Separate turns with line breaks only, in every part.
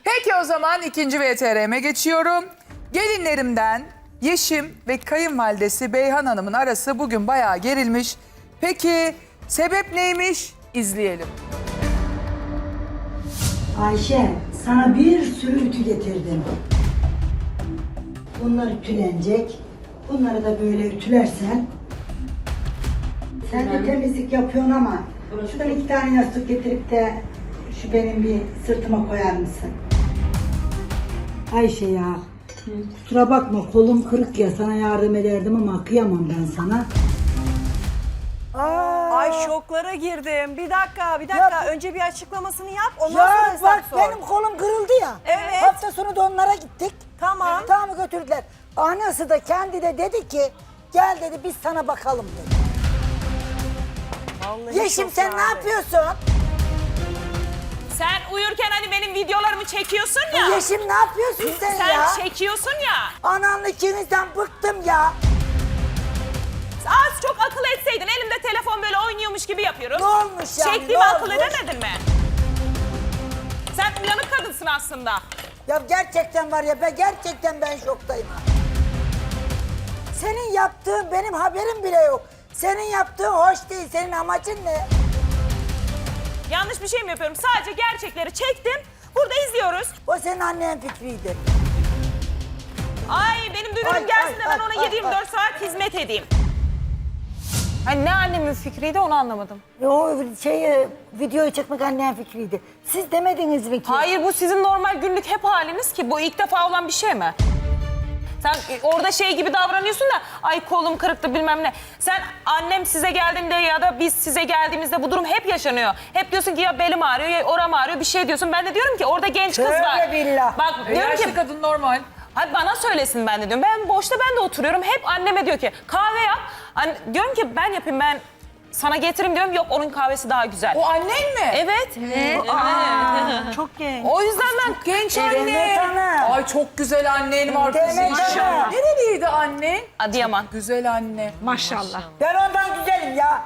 Peki o zaman ikinci VTR'me geçiyorum. Gelinlerimden Yeşim ve kayınvalidesi Beyhan Hanım'ın arası bugün bayağı gerilmiş. Peki sebep neymiş? İzleyelim.
Ayşe, sana bir sürü ütü getirdim. Bunlar ütülenecek. Bunları da böyle ütülersen. Sen de temizlik yapıyorsun ama şuradan 2 tane yastık getirip de şu benim bir sırtıma koyar mısın? Ayşe ya, kusura bakma kolum kırık ya, sana yardım ederdim ama kıyamam ben sana.
Ay şoklara girdim. Bir dakika. Önce bir açıklamasını yap. Ondan sonra
Ya
hesap
bak
sor.
benim kolum kırıldı ya.
Evet.
Hafta sonu da onlara gittik.
Tamam.
Tamam götürdüler. Anası da kendi de dedi ki gel dedi biz sana bakalım dedi.
Vallahi
Yeşim
çok
sen
yani.
ne yapıyorsun?
Sen uyurken hani benim videolarımı çekiyorsun ya.
Yeşim ne yapıyorsun sen,
Sen
ya?
çekiyorsun ya.
Ananla ikinizden bıktım ya.
Az çok akıl etseydin. Elimde telefon böyle oynuyormuş gibi yapıyorum.
Ne olmuş yani,
Çektiğimi
ne
akıl
olmuş?
edemedin mi? Sen uyanık kadınsın aslında.
Ya gerçekten var ya gerçekten ben şoktayım ha. Senin yaptığın benim haberim bile yok. Senin yaptığın hoş değil. Senin amacın ne?
Yanlış bir şey mi yapıyorum? Sadece gerçekleri çektim. Burada izliyoruz.
O senin annen fikriydi.
Ay benim dünürüm
Ay,
gelsin de
ay,
ben ona
ay,
7-24
ay.
saat hizmet edeyim. Hani ne annemin fikriydi onu anlamadım.
O videoyu çekmek annen fikriydi. Siz demediniz mi ki?
Hayır bu sizin normal günlük hep haliniz ki. Bu ilk defa olan bir şey mi? Sen orada şey gibi davranıyorsun da ay kolum kırıktı bilmem ne. Sen annem size geldiğinde ya da biz size geldiğimizde bu durum hep yaşanıyor. Hep diyorsun ki ya belim ağrıyor ya oram ağrıyor bir şey diyorsun. Ben de diyorum ki orada genç kız
Tövbe
var.
billah.
Bak diyorum
Yaşlı
ki
kadın normal.
hayır bana söylesin ben de diyorum. Ben boşta ben de oturuyorum. Hep anneme diyor ki kahve yap. Diyorum ki ben yapayım ben sana getireyim diyorum. Yok onun kahvesi daha güzel.
O annen mi?
Evet.
Çok genç.
O yüzden ben
Genç
Demet
anne.
Hanım.
Ay çok güzel annen var kızım.
Demet Hanım.
Nereliydi annen?
Adıyaman.
Güzel anne.
Ben ondan güzelim ya.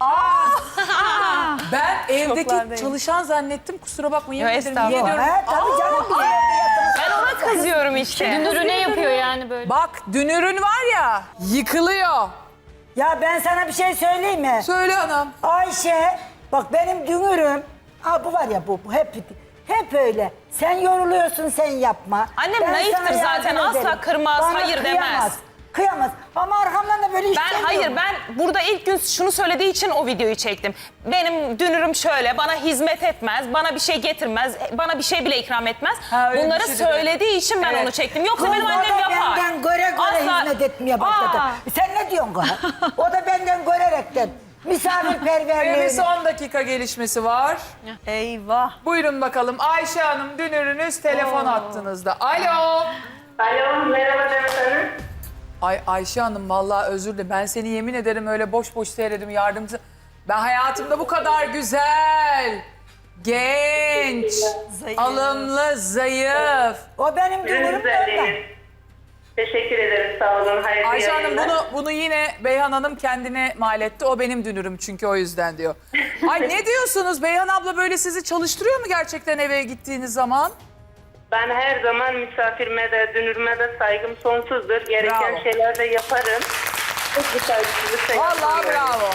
Ben evdeki
Şoklardayım.
çalışan zannettim. Kusura bakmayın.
Yo,
yemin ederim,
estağfurullah.
yemin ediyorum.
He tabii canım biz evde yatırız.
Ben ona kızıyorum işte.
Dünürüne yapıyor yani böyle.
Bak dünürün var ya yıkılıyor.
Ya ben sana bir şey söyleyeyim mi?
Söyle anam.
Ayşe bak benim dünürüm. Bu var ya bu hep öyle. Sen yoruluyorsun sen yapma.
Annem
Ben
naiftir
sana
zaten,
yardım
asla
ederim.
kırmaz,
Bana
hayır demez.
Kıyamaz. Ama arkamdan da böyle
Ben burada ilk gün şunu söylediği için o videoyu çektim. Benim dünürüm şöyle, bana hizmet etmez, bana bir şey getirmez, bana bir şey bile ikram etmez.
Ha, öyle
Bunları
bir şey de
söylediği için ben
Evet.
onu çektim. Yoksa
Kız,
benim
o
annem
da
yapar.
benden göre
Asla-
hizmet etmeye başladı. Sen ne diyorsun kız? O da benden görerekten.
Ve bir
Misafirperverliğini.
son dakika gelişmesi var.
Eyvah.
Buyurun bakalım Ayşe Hanım dünürünüz telefon attığınızda. Alo.
Alo, merhaba Demet Hanım.
Ay Ayşe Hanım vallahi özür dilerim. Ben seni yemin ederim öyle boş boş seyredim yardımcı. Ben hayatımda bu kadar güzel, genç,
Zayıf.
alımlı, zayıf.
O benim dünürüm de ondan.
Güzelliğiniz. Teşekkür ederim, sağ olun. Hayırlı
Ayşe Hanım
yayınlar.
bunu yine Beyhan Hanım kendine mal etti. O benim dünürüm çünkü o yüzden diyor. Ay ne diyorsunuz? Beyhan abla böyle sizi çalıştırıyor mu gerçekten eve gittiğiniz zaman?
Ben her zaman misafirime de, dünürüme de saygım sonsuzdur. Gereken
Bravo.
şeyler de yaparım. Hiçbir saygısızlık da
Vallahi
yapmıyorum.
bravo.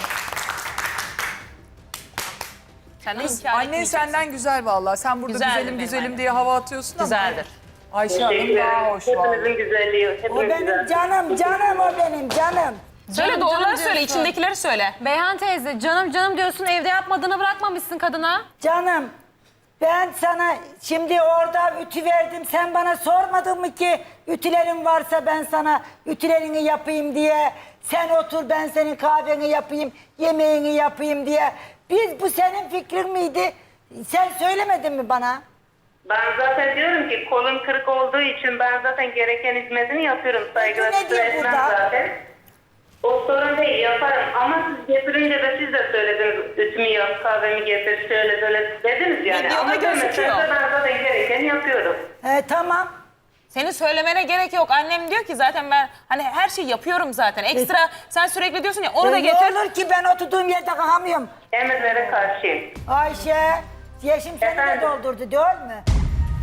Sen de
Kız,
inkar
annen
etmeyeceksin.
senden güzel vallahi. Sen burada
Güzeldir
güzelim
benim
güzelim
annem.
diye hava atıyorsun ama.
Güzeldir.
Ayşe Hanım
Teşekkür
daha
ederim.
hoş vallahi.
Hepinizin güzelliği.
O
Hepiniz
benim
güzel.
canım o benim canım.
Söyle
Canım,
doğruları
canım
söyle,
diyorsun.
içindekileri söyle.
Beyhan teyze canım diyorsun evde yapmadığını bırakmamışsın kadına.
Canım ben sana şimdi orada ütü verdim. Sen bana sormadın mı ki ütülerin varsa ben sana ütülerini yapayım diye. Sen otur ben senin kahveni yapayım, yemeğini yapayım diye. Bu senin fikrin miydi? Sen söylemedin mi bana?
Ben zaten diyorum ki kolum kırık olduğu için ben zaten gereken hizmetini yapıyorum. Saygılar
Peki nedir
etmem
burada?
zaten. O sorun değil, yaparım. Ama siz getirince de siz de söylediniz. Ütümü yap, kahvemi getir, şöyle böyle dediniz yani.
Videoda
Ama
gözüküyor.
demeseniz de ben zaten gerekeni yapıyorum.
Tamam.
Senin söylemene gerek yok. Annem diyor ki zaten ben hani her şeyi yapıyorum zaten. Ekstra sen sürekli diyorsun ya onu da
Ne
getir.
olur ki ben oturduğum yerde kalkamıyorum.
Emirlere karşıyım.
Ayşe, Yeşim seni de
Efendim?
doldurdu değil mi?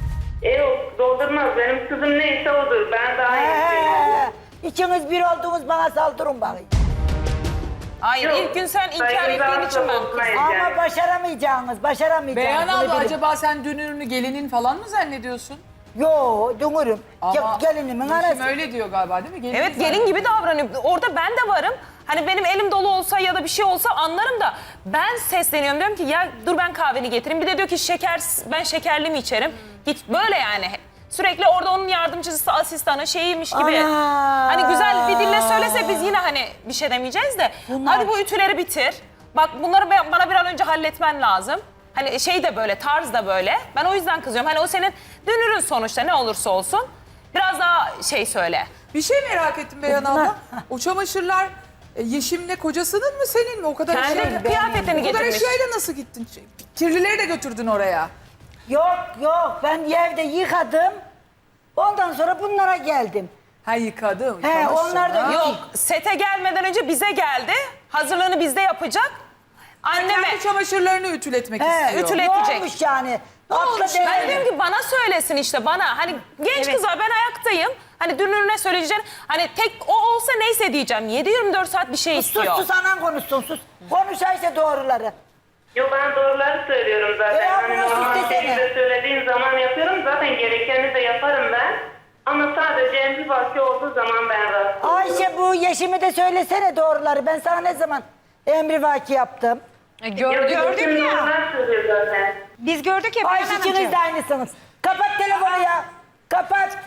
Yok doldurmaz. Benim kızım neyse odur. Ben daha iyisiyim.
İkiniz bir oldunuz bana saldırın bakayım.
Hayır
Yok,
ilk gün sen inkar
saygımızı
ettiğin için
asla
ben
bozmayız
Ama
yani.
başaramayacağınız.
Beyhan
bunu
abla
bilin.
acaba sen dünürünü gelinin falan mı zannediyorsun?
Yo, dünürüm.
Ama
Gelinimin
Yeşim
arası.
öyle diyor galiba değil mi? Gelini
Evet gelin gibi davranıyor. Orada ben de varım. Hani benim elim dolu olsa ya da bir şey olsa anlarım da ben sesleniyorum diyorum ki ya dur ben kahveni getireyim. Bir de diyor ki ben şekerli mi içerim? Git böyle yani. Sürekli orada onun yardımcısı, asistanı şeyiymiş gibi.
Ana!
Hani güzel bir dille söylese biz yine hani bir şey demeyeceğiz de. Hadi bu ütüleri bitir. Bak bunları bana bir an önce halletmen lazım. Hani şey de böyle, tarz da böyle. Ben o yüzden kızıyorum. Hani o senin dünürün sonuçta ne olursa olsun. Biraz daha şey söyle.
Bir şey merak ettim Beyhan abla. O çamaşırlar Yeşim'le kocasının mı senin mi? O kadar
Kendi
eşyayla-
kıyafetini
O kadar
getirmiş.
eşyayla nasıl gittin? Kirlileri de götürdün oraya.
Yok, ben evde yıkadım. Ondan sonra bunlara geldim.
Ha yıkadım.
He,
yıkamışsın,
onlar da
ha.
Yok, sete gelmeden önce bize geldi. Hazırlığını bizde yapacak. Anneme
Kendi çamaşırlarını ütületmek
He,
istiyor.
ütületecek.
Ne olmuş yani? Aklı
ben
devre.
diyorum ki bana söylesin işte bana. Hani genç kızlar ben ayaktayım. Hani dünürüne söyleyeceğim. Hani tek o olsa neyse diyeceğim. 7-24 saat bir şey istiyor.
Sus anan konuşsun sus. Konuş işte doğruları.
Yok ben doğruları söylüyorum zaten.
Ya
Hani
bunu
normal
istesene.
şekilde söylediğim zaman yapıyorum. Zaten gerekeni de yaparım ben. Ama sadece emri vaki olduğu zaman ben rahatsız oluyorum.
Ayşe bu Yeşim'i de söylesene doğruları. Ben sana ne zaman emrivaki yaptım?
Gördük
Bütün
ya.
doğrular söylüyor zaten.
Biz gördük ya
Ayşe
Beyhan
ikiniz
Hanımcığım.
de aynısınız. Kapat telefonu ya. Kapat.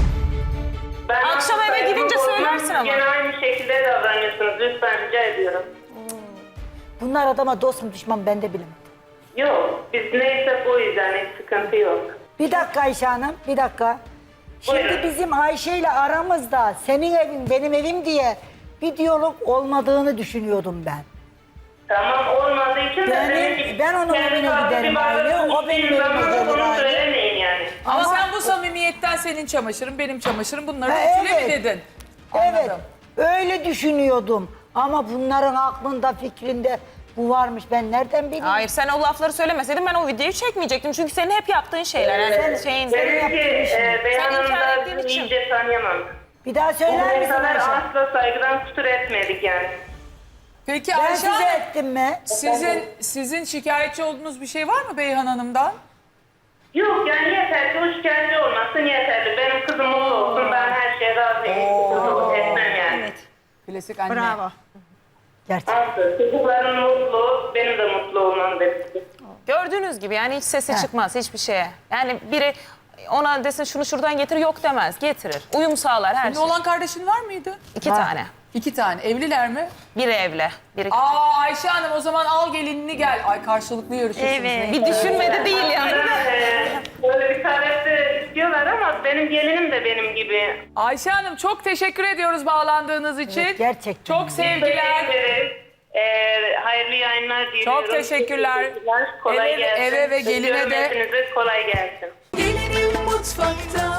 Ben
Akşam eve
saygımı
gidince
bozmam,
söylersin
siz
ama.
Gene aynı şekilde davranıyorsunuz. Lütfen rica ediyorum.
Bunlar adama dost mu düşman ben de bilemedim.
Yok biz neyse bu yüzden hiç sıkıntı yok.
Bir dakika Ayşe Hanım, bir dakika. Şimdi
Buyurun.
bizim Ayşe ile aramızda senin evin benim evim diye bir diyalog olmadığını düşünüyordum ben.
Tamam olmadığı için de
Ben onun
kendi
evine
farklı
giderim
bir
aile,
varlık
o benim
düşündüğüm
evime
zaman
gelir
bunu
aile.
söylemeyin yani.
Ama sen bu samimiyetten senin çamaşırın, benim çamaşırım bunları
Ha,
ütüle mi
evet.
dedin?
Evet,
Anladım.
öyle düşünüyordum. Ama bunların aklında, fikrinde bu varmış. Ben nereden bileyim?
Hayır sen o lafları söylemeseydin ben o videoyu çekmeyecektim. Çünkü senin hep yaptığın şeyler. Yani şeyin...
Demek ki
Sen
Beyhan
inkar
Hanım'da
ettiğin için.
iyice tanıyamam.
Bir daha
O
söyler misin
kadar
Ayşe?
asla saygıdan kusur etmedik yani.
Peki
Ben
Ayşe
size
Hanım,
ettim mi?
sizin şikayetçi olduğunuz bir şey var mı Beyhan Hanım'dan?
Yok yani yeter ki o şikayetçi olmasın yeterli. Benim kızım mutlu olsun ben her şeye razıyım. Sıkıntı etmem yani.
Klasik anne.
Bravo.
Gerçekten.
Aslı. Çocukların mutlu, benim de mutlu olmam bekliyor.
Gördüğünüz gibi yani hiç sesi çıkmaz hiçbir şeye. Yani biri ona desin şunu şuradan getir yok demez. Getirir. Uyum sağlar her
Senin
şey.
olan kardeşin var mıydı?
2
Var.
tane.
2 tane. Evliler mi?
Biri evli. Biri
Aa Ayşe Hanım o zaman al gelinini gel. Ay karşılıklı yarışıyorsunuz.
Evet.
bir düşünmedi değil yani.
Böyle bir talep de istiyorlar ama benim gelinim de benim gibi.
Ayşe Hanım çok teşekkür ediyoruz bağlandığınız için.
Evet, gerçekten.
Çok sevgiler.
Teşekkür ederim. Hayırlı yayınlar diliyorum.
Çok teşekkürler.
Kolay
Eve-
gelsin.
eve ve geline de-
Hepinize kolay gelsin.
Gelinim mutfakta